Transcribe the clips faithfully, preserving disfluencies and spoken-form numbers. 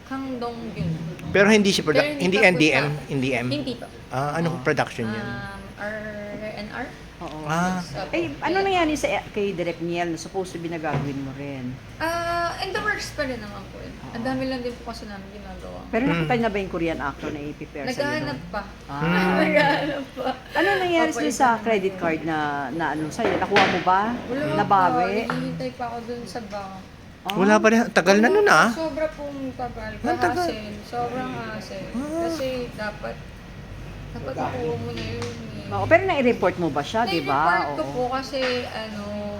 Hangdong-gyun. Pero hindi siya Pero produ- hindi pa N D M, po siya. hindi M. Hindi pa. Ah, anong production yan? Um, R and R? Oo. Ah. Opo. Eh, ano nangyari sa kay Direk Niel na supposed to be na gagawin mo rin? Ah, in the works pa rin naman po. Ang dami lang din po kasi namin ginagawa. Pero Hmm. nakita na ba yung Korean actor na i-prepare sa'yo? Naghahanap doon? pa. Ah. Naghahanap pa. Ano nangyari Opo, dun ito sa naman. credit card na, na ano sa'yo? Nakuha mo ba? Wala Nabawi? pa. Naghihintay pa ako dun sa bank. Ah. Wala pa rin. Tagal na nun ah. Sobra pong tagal. Ang tagal. Hassle. Sobrang hassle. Ah. Kasi dapat, dapat nakuha mo na yun. eh. Oo, pero na-report mo ba siya, di ba? Na-report ko po kasi ano,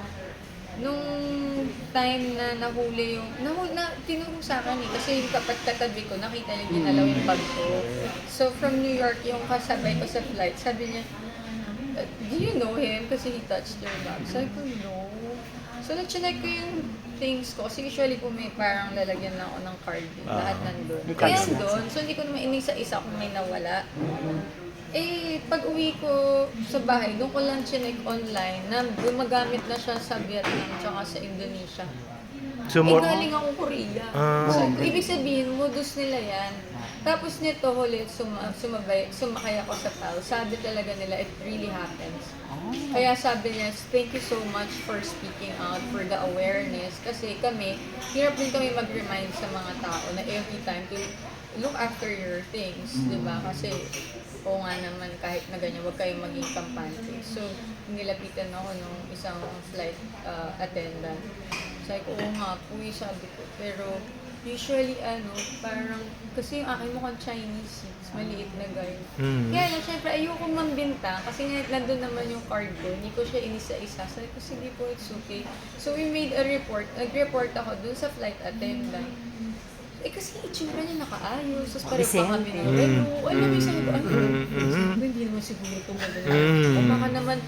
nung time na nahuli yung, nahuli, na, tinuro sa akin eh, kasi yung kapat katabi ko, nakita niya ginalaw yung bag ko. So from New York, yung kasabay ko sa flight, sabi niya, "Uh, do you know him? Kasi he touched your bag." Sabi ko, no. So na-check ko yung things ko, kasi usually po may parang lalagyan lang ako ng card, eh, Ah. lahat nandun. May Kaya cards na. doon, so hindi ko naman inisa-isa kung may nawala. Eh, pag uwi ko sa bahay, doon ko lang chinek online na gumagamit na siya sa Vietnam tsaka sa Indonesia. So, Eh, more, galing ako Korea. Ah. So, ibig sabihin, modus nila yan. Tapos nito, huli, suma, sumabay, sumakay ako sa P A L. Sabi talaga nila, it really happens. Kaya sabi niya, thank you so much for speaking out, for the awareness. Kasi kami, hirap din kami mag-remind sa mga tao na every time to look after your things, di ba? Kasi, oo nga naman, kahit na ganyan, huwag kayong maging kampante. So, nilapitan ako nung isang flight uh, attendant. Sabi ko, oo nga po, eh, sabi ko. Pero, usually, ano, parang, kasi yung akin mukhang Chinese, mas maliit na guy. Mm. Kaya lang, syempre, ayoko mambinta, kasi nga, nandun naman yung card ko, hindi ko siya inisa-isa. Sabi ko, sige po, it's okay. So, we made a report, nag-report ako dun sa flight attendant. Eh kasi itsura niya nakaayos, tapos pareho pa kami ng relo. Alam mo, sabi ko, ano, sabi ko, hindi naman siguro ito maganda. O baka naman,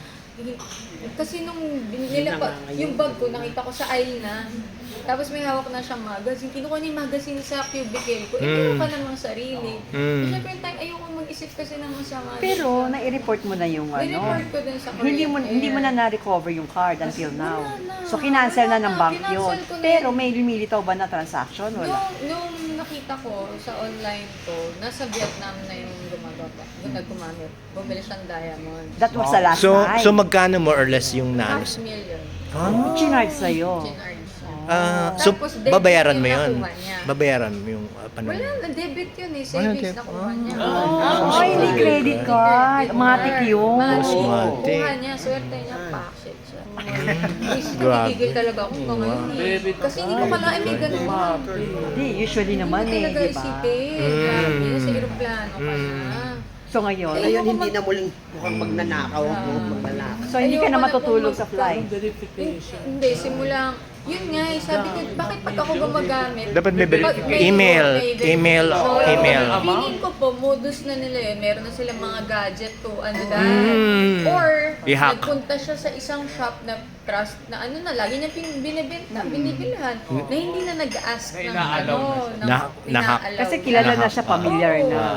kasi nung nila pa, yung bag ko, nakita ko sa aisle na. Tapos may hawak na siyang magazine. Kinuha niya yung magazine sa cubicle ko. Eh, meron ka namang sarili. Mm. Siyempre yung time, ayoko mag-isip kasi ng masama. Pero na-report mo na yung ano. Ni-report ko din sa Hindi mo Korean hindi mo na Air. na-recover yung card until now. Wala na. So kinancel na Wala ng na. bank Kinancel yun. ko na Pero yun. may lumilitaw ba na transaction? Wala. Nung, nung nakita ko sa online ko, nasa Vietnam na yung gumagawa. Yung nagkumamit. Bumili siyang diamond. That was the last So, time. so magkano more or less yung Half nanos? million. Ah. Chinard sa'yo. Chinarge siya. Ah, so, Tapos, debit babayaran mo yung yun? nakuha niya. Babayaran mo yung uh, paano? Wala, na-debit yun eh. Wala, Savings deb- na kuha niya. Oh, hindi credit card. Matik yun. Matik. Matik. Kuha niya, swerte niya, packshit siya. Isip ko, Grabe. gigigil talaga ako mga ngayon eh. Kasi hindi ko kalain may ganun. Hindi, usually naman Hindi eh, talaga di ba? isipin. Grabe, nasa aeroplano ka na. So ngayon, Eh, Ngayon, Ayoko hindi mag- na muling mukhang magnanakaw ako, magnanakaw. so hindi ka na Ayoko na matutulog pong sa flight. Hindi, simulang, yun nga eh, sabi ko, bakit pag ako gumagamit? Dapat may ver- Pag- email, may- email, So, email. Feeling ko po, modus na nila yun. Meron na silang mga gadget to, ano dahil. Mm. Or, I-hack. nagpunta siya sa isang shop na trust, na ano na, lagi niya pin- binibenta, binibilhan, na hindi na nag-ask ng ano, ng Na- na-hack. ina-allow Kasi niya. kilala na siya, familiar Oo. na.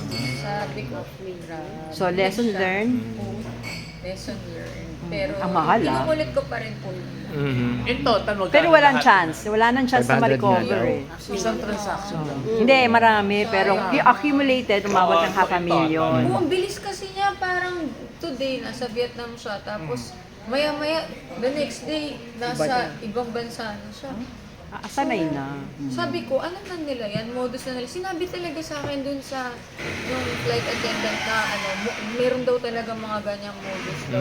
Sabi ko, grabe. So lesson Siya. learned. Oo. Lesson learned. Pero, Ang mahal, ah. inuulit ko pa rin po yun. Mhm. In total, magkano Pero walang lahat? chance. Wala nang chance na five hundred ma-recover nga eh. Isang transaction lang. Hindi, marami. Pero accumulated, umabot ng half a million. Oo, ang bilis kasi niya, parang today nasa Vietnam siya, tapos maya-maya, the next day, nasa ibang bansa na siya. Ah, sanay na. Sabi ko, ano na nila yan, modus na nila. Sinabi talaga sa akin dun sa yung flight attendant na ano, mo- meron daw talaga mga ganyang modus daw.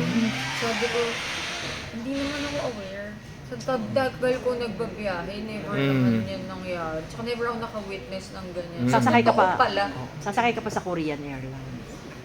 Sabi ko, hindi naman ako aware. Sa tagdagal ko nagbabiyahe, never Mm. naman yan nangyari. Tsaka never ako naka-witness ng ganyan. Mm. Sa Sasakay ka totoo pa. pala. Sasakay ka pa sa Korean Airlines.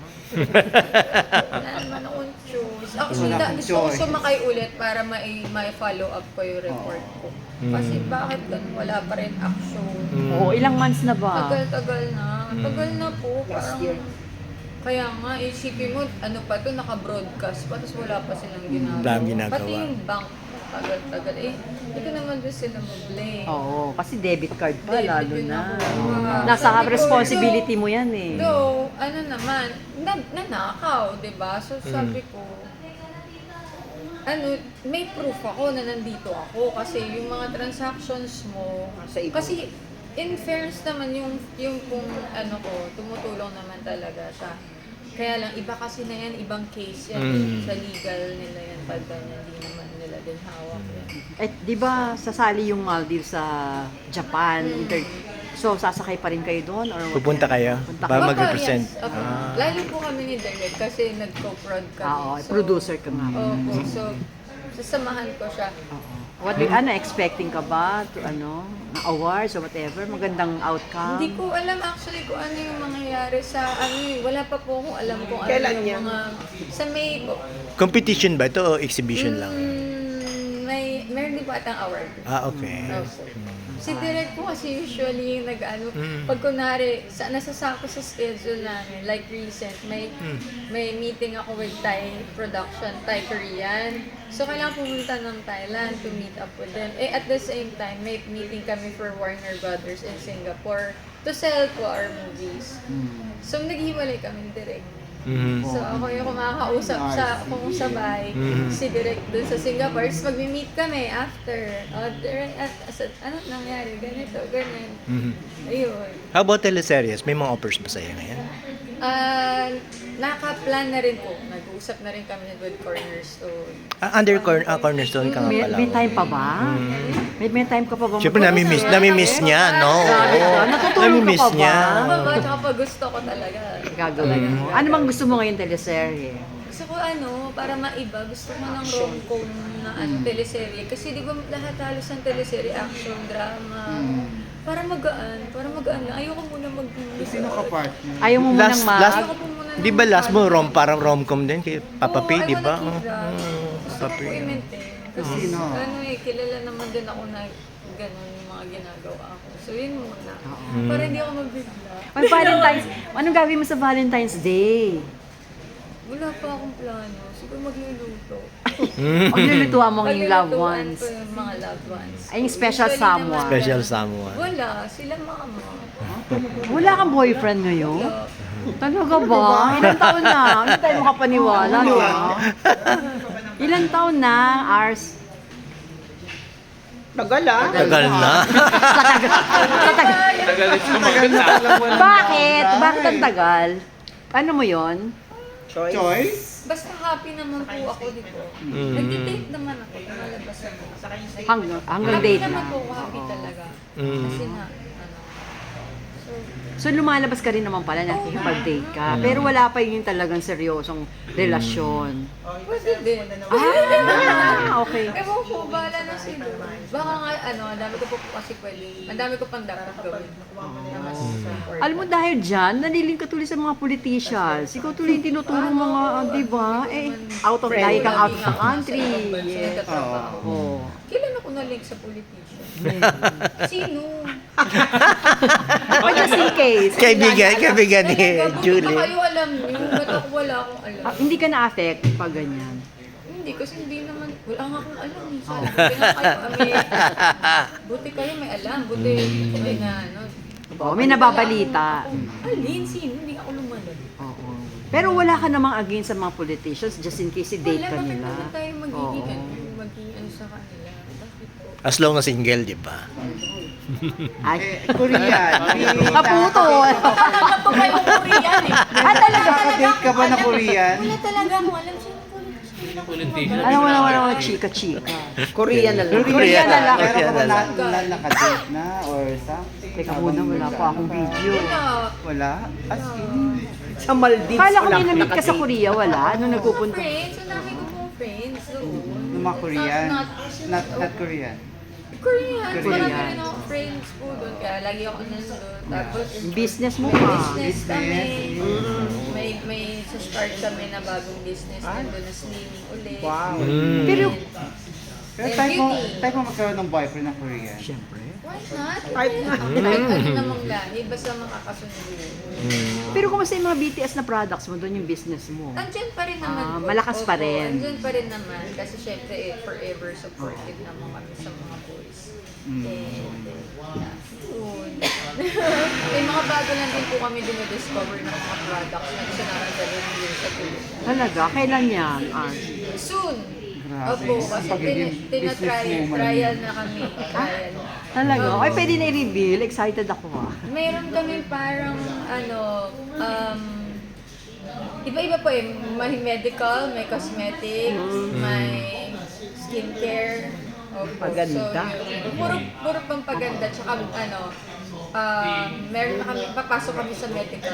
Wala naman akong choice. Actually, Wala da, akong gusto ko choice. sumakay ulit para mai, mai follow up ko yung report ko. Kasi bakit ganun, wala pa rin action. Mm. Oo, ilang months na ba? Tagal-tagal na. Tagal na po. Last Parang, year. kaya nga, isipin mo, ano pa to, naka-broadcast pa, tapos wala pa silang ginagawa. Daming ginagawa. Pati yung bank, tagal-tagal. Eh, hindi ko naman doon sila mag-blame. Oo, kasi debit card pa, Debit lalo yun na. nakuha. Nasa Sabi ko, responsibility mo yan eh. Though, ano naman, na, nanakaw, di ba? So sabi ko, ano, may proof ako na nandito ako kasi yung mga transactions mo, Sa ibang- kasi in fairness naman, yung, yung kung ano ko, tumutulong naman talaga siya. Kaya lang, iba kasi na yan, ibang case yan. Mm. Sa legal nila yan, pag ganyan, hindi naman nila din hawak yan. Eh, di ba sasali yung Maldives sa Japan? Inter- so, sasakay pa rin kayo doon? Or Pupunta kayo Punta para Opo, mag-represent. yes. Opo. Ah. Lalo po kami ni Derek kasi nag-co-prod kami. Ah, oo, producer ka nga. Opo, so sasamahan ko siya. Oo. What do you, ano, expecting ka ba to ano, na awards or whatever? Magandang outcome? Hindi ko alam actually kung ano yung mangyayari sa ano eh. Wala pa po akong alam kung ano Kailan yung yan? mga... Sa May po. Competition ba ito o exhibition lang? Mm, may, meron din po atang award. Ah, okay. Opo. Si Direk po kasi usually yung nag-ano, Mm. pag kunwari, sa, nasasako sa schedule namin, like recent, may may meeting ako with Thai production, Thai Korean. So, kailangan pumunta ng Thailand to meet up with them. Eh, at the same time, may meeting kami for Warner Brothers in Singapore to sell po our movies. So, naghiwalay kami ni Direk. Mhm. So, ako yung kumakausap sa kung sa bahay, Mhm. si Direk dun sa Singapore. Tapos magmi-meet kami after. Oh, Direk, at, at, ano nangyari? Ganito, ganyan. Mhm. Ayun. How about teleseries? May mga offers ba sa'yo ngayon? Ah, naka-plan na rin po. Nag-uusap na rin kami with Cornerstone. Ah, under cor- ah, Cornerstone ka nga May, pala. may time pa ba? May, may time ka pa ba? Siyempre, nami-miss, nami-miss niya, no? Grabe Oo. ka. Natutulog ka Nami-miss pa ba? niya. Kapag, kapag gusto ko talaga. Gagawin mo. Ano bang gusto mo ngayon teleserye? Gusto ko ano, para maiba, gusto ko ng rom-com na ano, teleserye. Kasi di ba lahat halos ng teleserye, action, drama. Para magaan, para magaan lang. Ayoko muna mag Sino ka partner? Ayaw mo munang Last, ma... last, Ayoko po muna ng di ba last mo, partner. rom, parang rom-com din kay Papa Oo, P, I di ba? wanna keep that. Oh, Gusto Papa ko po P. i-maintain. Kasi Sino? ano eh, kilala naman din ako na gano'n yung mga ginagawa ko. So yun muna. Mm. Para hindi ako mabigla. May Valentine's, anong gagawin mo sa Valentine's Day? Wala pa akong plano. Siguro magluluto. Mm. O nilulutuan mo yung loved Paglulutuan ones? ko yung mga loved ones. Ay, yung special Usually someone. naman, Special ganun. someone. Wala. Sila mama. Wala kang boyfriend ngayon? Wala. Talaga ba? Ilan taon na? Hindi tayo makapaniwala. no? Ilan taon na, Ars? Tagal ah. Tagal na. Bakit? Bakit ang tagal? Ano mo yon? Choice. Choice? Basta happy naman po ako dito. Mm. Nag-date naman ako. Lumalabas ako. Hanggang, hanggang Happy date naman na. po ako. Happy talaga. Mm. Kasi na, ano. So, So lumalabas ka rin naman pala, nakikipag-date ka. Pero wala pa yung talagang seryosong relasyon. pwede din. Ah, okay. Ewan ko, bahala na sila. Baka nga, ano, ang dami ko po po kasi pwede. Ang dami ko pang dapat gawin. Na mas important. Alam mo dahil dyan, naliling ka tuloy sa mga politicians. Ikaw tuloy yung tinuturo mga, ah, di ba? Eh, out of, lagi kang out of the country. Yes. Oh. Kailan ako na-link sa politician? Sino? But just in case. Kaibigan, kaibigan ni Talaga, buti Julie. ba kayo alam niyo? Ba't ako wala akong alam? Ah, hindi ka na-affect pag ganyan. Hindi, kasi hindi naman, wala nga akong alam. eh. Sana, buti nga kayo, may, buti kayo may alam. Buti may na, ano. Oh, may nababalita. Alin, sino? Hindi ako lumalag. Oo. Pero wala ka namang against sa mga politicians just in case i-date Wala, ka bakit nila. naman tayo magiging, Oo. ano, magiging ano sa kanila? Bakit po? As long as single, di ba? Ay, Eh, Korean. kaputo. Talaga po kayong Korean eh. Ah, talaga? Nakaka-date ka ba na Korean? Wala talaga akong alam sino politician. Alam mo na wala mga chika-chika. Korean na lang. Korean na lang. Meron ka ba na, Korean. na nakadate na or something? Teka muna, wala pa akong video. Wala. Wala? As in? Sa Maldives Kala ko wala may namit ka sa nakadate. Korea, wala? Ano nagpupunta? Friends, ang dami ko pong friends. doon. Yung mga Korean? Not, Not, not, not Korean? Korean. Korean. Marami rin ako friends po doon. Kaya lagi ako nandun. Tapos, Business mo may pa. business kami. Business. May may sa start kami na bagong business nandun na slim ulit. Wow. Mm. Pero, Pero And type mo, beauty. type mo magkaroon ng boyfriend na Korean? siyempre. Why not? Kahit na. Kahit ano namang lahi, basta makakasunod. Mm. Pero kumusta yung mga B T S na products mo, doon yung business mo? Andyan pa rin naman Ah, po. malakas pa Opo, rin. Andyan pa rin naman. Kasi syempre, eh, forever supportive naman kami sa mga boys. Mm. And, eh, yeah, yun. May mga bago lang din po kami dinidiscover ng mga products na gusto namin dalhin here sa Pilipinas. Talaga? Kailan yan, Ars? Soon! Grabe. Opo, kasi Pagiging tin- tinatry, businesswoman. trial na kami. Trial. Talaga? Ay, pwede na i-reveal. Excited ako ah. Mayroon kami parang ano, um, iba-iba po eh. May medical, may cosmetic, may skincare. Opo. Paganda. So, yun. puro, puro pang paganda. Tsaka ano, um, meron na kami, papasok kami sa medical.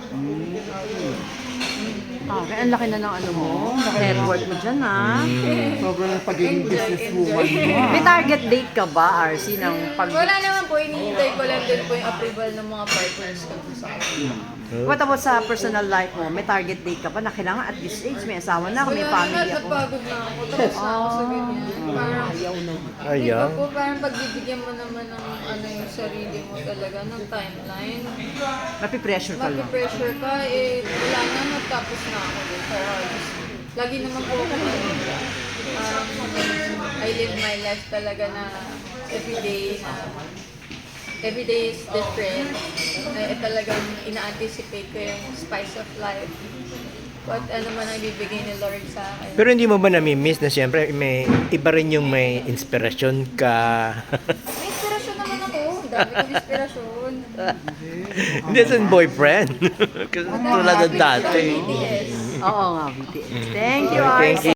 Ah, kaya ang laki na ng ano mo. Network mo dyan ah. Sobrang na pagiging Enjoy, businesswoman enjoy. mo. May target date ka ba, R C, ng pag... Wala naman po, hinihintay ko lang din po yung approval ng mga partners ko sa akin. What about sa personal life mo? May target date ka ba na kailangan at this age, may asawa na ako, may Wala family naman, ako. napagod na ako. Tapos na ako sa ganyan. Parang, Ayaw. Di ba po, parang pagbibigyan mo naman ng ano yung sarili mo talaga, ng timeline. Mapipressure ka lang. Mag-pressure ka, eh, wala na, natapos na ako. eh. Kaya, just, lagi naman po ako, um, I live my life talaga na everyday na everyday is different. Na eh, talagang ina-anticipate ko yung spice of life. What ano man ang ibibigay ni Lord sa akin. Pero hindi mo ba nami-miss na siyempre may iba rin yung may inspirasyon ka? May inspirasyon naman ako. Ang dami kong inspirasyon. Hindi sa boyfriend. Kasi tulad ng dati. B T S. Oo nga, B T S. Thank you, Thank R C. you.